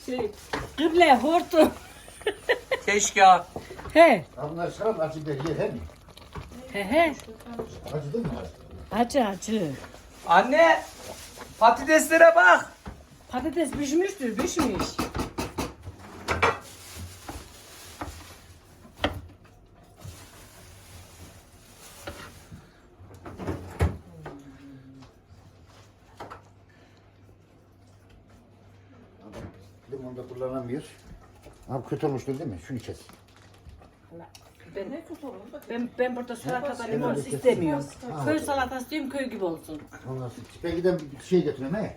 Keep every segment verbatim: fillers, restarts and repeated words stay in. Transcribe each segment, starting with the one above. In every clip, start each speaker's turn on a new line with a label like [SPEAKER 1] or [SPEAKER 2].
[SPEAKER 1] Şey, kıble hortum.
[SPEAKER 2] Keşke ha.
[SPEAKER 1] He.
[SPEAKER 3] Bunlar şarap acı bir yer he mi?
[SPEAKER 1] He he.
[SPEAKER 3] Acı değil mi?
[SPEAKER 1] Acı acı.
[SPEAKER 2] Anne patateslere bak.
[SPEAKER 1] Patates pişmiştir, pişmiş.
[SPEAKER 3] Limonu da kullanamıyor. Abi kötü olmuştur değil mi? Şunu kes.
[SPEAKER 1] Ben, ben, ben burada salatada limon istemiyorum. Köy salatası diyorum, köy gibi olsun.
[SPEAKER 3] Ondan sonra belki de bir şey getiriyorum he.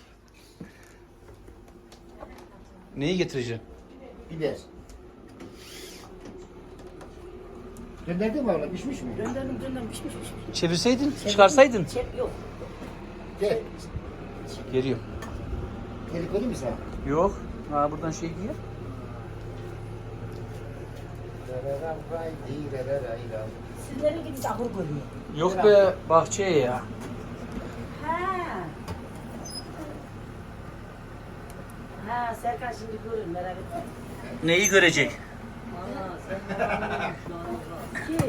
[SPEAKER 2] Neyi getireceğim?
[SPEAKER 3] Biber. Gönderdin mi abla? Pişmiş mi?
[SPEAKER 1] Döndürdüm, döndürdüm, pişmiş pişmiş.
[SPEAKER 2] Çevirseydin, çıkarsaydın.
[SPEAKER 1] Çek yok.
[SPEAKER 3] Gel.
[SPEAKER 2] Geliyorum.
[SPEAKER 3] Gel koyayım mı sana?
[SPEAKER 2] Yok. Ha buradan şey giyer.
[SPEAKER 1] Sizlerin gibi ahur görüyor.
[SPEAKER 2] Yok be bahçeye ya.
[SPEAKER 1] Ha. Ha, Serkan şimdi görür, merak etme.
[SPEAKER 2] Neyi görecek?
[SPEAKER 1] Ki?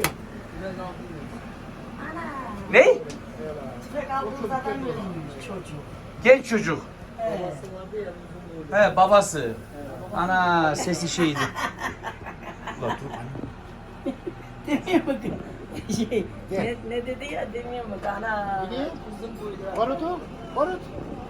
[SPEAKER 2] Ne?
[SPEAKER 1] Tüfek aldığınız adam görünmüş çocuk.
[SPEAKER 2] Genç çocuk.
[SPEAKER 1] Evet.
[SPEAKER 2] He babası. Ana sesi şeydi. Bak dur.
[SPEAKER 1] Demiyor mu? Şey, ne, ne dedi ya demiyor mu? Ana.
[SPEAKER 3] Biliyor.
[SPEAKER 1] Uzun boylu.
[SPEAKER 3] Barut o. Barut.